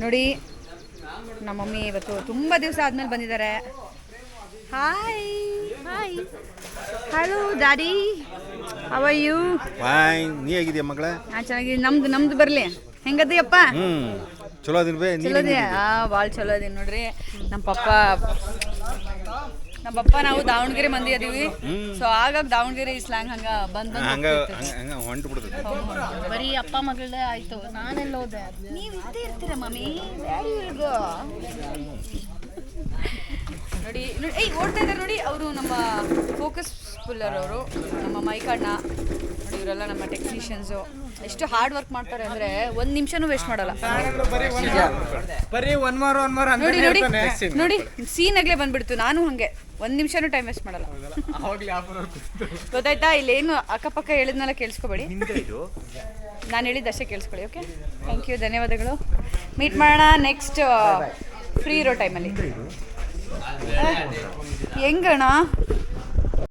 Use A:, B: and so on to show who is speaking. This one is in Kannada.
A: ನೋಡಿ ನಮ್ಮ ಮಮ್ಮಿ ಇವತ್ತು ತುಂಬ ದಿವಸ ಆದ್ಮೇಲೆ ಬಂದಿದ್ದಾರೆ. Hi hi hello daddy, how are you?
B: Fine. ನೀ ಹೇಗಿದ್ಯಾ ಮಗಳೇ?
A: ನಾನು ಚೆನ್ನಾಗಿ. ನಮ್ದು ಬರಲಿ. ಹೆಂಗದೀಯಪ್ಪ?
B: ಚಲೋ ಅದಿನ ಬೇ.
A: ಚಲೋ ಅದೇ. ಭಾಳ ಚಲೋ ಅದೀನಿ ನೋಡ್ರಿ. ನಮ್ಮ ಪಪ್ಪ ನಾವು ದಾವಣಗೆರೆ ಮಂದಿ ಅದೀವಿ. ಸೊ ಆಗಾಗ ದಾವಣಗೆರೆ ಸ್ಲ್ಯಾಂಗ್ ಹಂಗ ಬಂದ್
B: ಹೊಂಟು ಬಿಡ್ತದೆ.
C: ಬರೀ ಅಪ್ಪ ಮಗಳೇ ಆಯ್ತು. ನಾನೆಲ್ಲ ಹೋದೆ.
A: ನೀವು ಇದ್ದೇ ಇರ್ತೀರ ಮಮ್ಮಿ. ನೋಡಿ ಓಡ್ತಾ ಇದ್ದಾರೆ ನೋಡಿ. ಅವರು ನಮ್ಮ ಫೋಕಸ್ ಪುಲ್ಲರ್ ಅವರು, ನಮ್ಮ ಮೈಕಣ್ಣ ನೋಡಿ. ಇವರೆಲ್ಲ ನಮ್ಮ ಟೆಕ್ನಿಷಿಯನ್ಸು. ಎಷ್ಟು ಹಾರ್ಡ್ ವರ್ಕ್ ಮಾಡ್ತಾರೆ ಅಂದರೆ ಒಂದು ನಿಮಿಷನೂ ವೇಸ್ಟ್ ಮಾಡಲ್ಲ. ನೋಡಿ ನೋಡಿ ನೋಡಿ, ಸೀನಾಗಲೇ ಬಂದ್ಬಿಡ್ತು. ನಾನು ಹಾಗೆ ಒಂದು ನಿಮಿಷನೂ ಟೈಮ್ ವೇಸ್ಟ್ ಮಾಡಲ್ಲ. ಗೊತ್ತಾಯ್ತಾ? ಇಲ್ಲೇನು ಅಕ್ಕಪಕ್ಕ ಹೇಳಿದ್ನೆಲ್ಲ ಕೇಳಿಸ್ಕೊಬೇಡಿ. ನಾನು ಹೇಳಿದ್ದಷ್ಟೇ ಕೇಳಿಸ್ಕೊಳ್ಳಿ. ಓಕೆ, ಥ್ಯಾಂಕ್ ಯು, ಧನ್ಯವಾದಗಳು. ಮೀಟ್ ಮಾಡೋಣ ನೆಕ್ಸ್ಟ್ ಫ್ರೀ ಇರೋ ಟೈಮಲ್ಲಿ. ಹೆಂಗಣ್ಣ?